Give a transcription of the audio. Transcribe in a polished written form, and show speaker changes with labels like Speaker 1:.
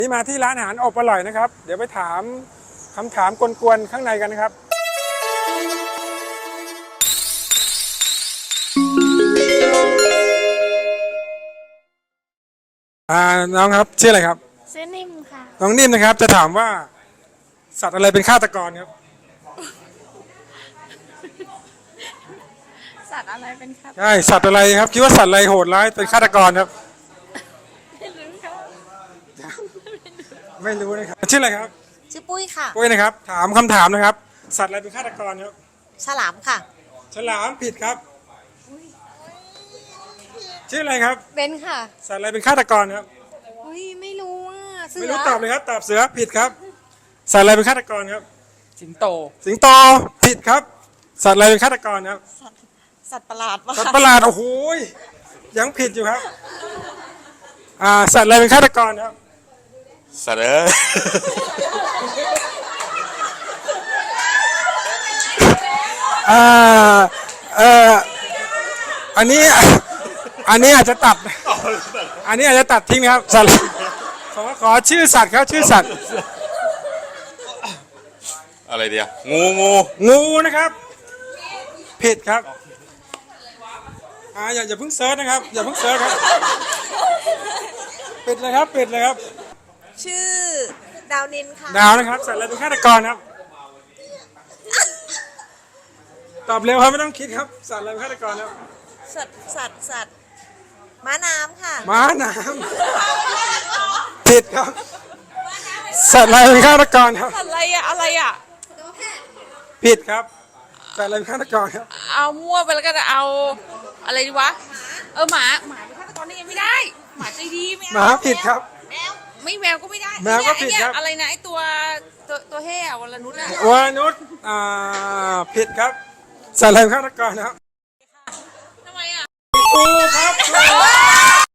Speaker 1: นี่มาที่ร้านอาหารอบอร่อยนะครับเดี๋ยวไปถามคำถามกวนๆข้างในกันนะครับน้องครับชื่ออะไรครับ
Speaker 2: ชื่อนิ่มค่ะ
Speaker 1: น้องนิ่มนะครับจะถามว่าสัตว์อะไรเป็นฆาตกรครับ
Speaker 2: สัตว์อะไรเป็นฆาตกร
Speaker 1: ใช่สัตว์อะไรครับคิดว่าสัตว์อะไรโหดร้ายเป็นฆาตกรครับ
Speaker 2: ไม่รู้ค่ะ
Speaker 1: ไม่รู้นะครับชื่ออะไรครับ
Speaker 2: ชื่อปุ้ยค่ะ
Speaker 1: ปุ้ยนะครับถามคำถามนะครับสัตว์อะไรเป็นฆาตกรครับ
Speaker 2: ฉลามค่ะ
Speaker 1: ฉลามผิดครับชื่ออะไรครับ
Speaker 2: เบนค่ะ
Speaker 1: สัตว์อะไรเป็นฆาตกรครับ
Speaker 2: อุ้ยไม่รู้อ่ะเสือ
Speaker 1: ไม่รู้ตอบเลยครับตอบเสือผิดครับสัตว์อะไรเป็นฆาตกรครับ
Speaker 3: สิงโต
Speaker 1: สิงโตผิดครับสัตว์อะไรเป็นฆาตกรครับ
Speaker 2: สัตว์ประหลาดปะ
Speaker 1: สัตว์ประหลาดโอ้โหยังผิดอยู่ครับสัตว์อะไรเป็นฆาตกรครับ
Speaker 4: สัตว์เอ้ย
Speaker 1: อันนี้อาจจะตัดอันนี้อาจจะตัดทิ้งนะครับสัตว์ขอชื่อสัตว์ครับชื่อสัตว์
Speaker 4: อะไรเดียวงู
Speaker 1: งูนะครับผิดครับอย่าเพิ่งเซิร์ชนะครับอย่าเพิ่งเซิร์ชครับปิดเลยครับปิดเลยครับ
Speaker 2: ชื่อดาวนินค่ะ
Speaker 1: ดาวนะครับสัตว์อะไรเป็นฆาตกรครับตอบเร็วครับไม่ต้องคิดครับสัตว์อะไรเป็นฆาตกรครับ
Speaker 2: สัตว์ม้าน้ำค่ะ
Speaker 1: ม้าน้ำผิดครับสัตว์อะไรเป็นฆาตกรครับ
Speaker 3: สัตว์อะไรอ่ะ
Speaker 1: ผิดครับสัตว์อะไรเป็นฆาตกรครับ
Speaker 3: เอามั่วไปแล้วก็จะเอาอะไรดีวะหมาเป็นฆาตกรนี่ยังไม่ได้หมาใจดีไม่เอา
Speaker 1: หมาผิดครับ
Speaker 3: แมวก็ไม่ได้
Speaker 1: แมวก็ผิดครับ
Speaker 3: อะไรนะไอตัวแห่วรนุชอะ
Speaker 1: วานุชผิดครับสัตว์อะไรเป็นฆาตกรนะครับ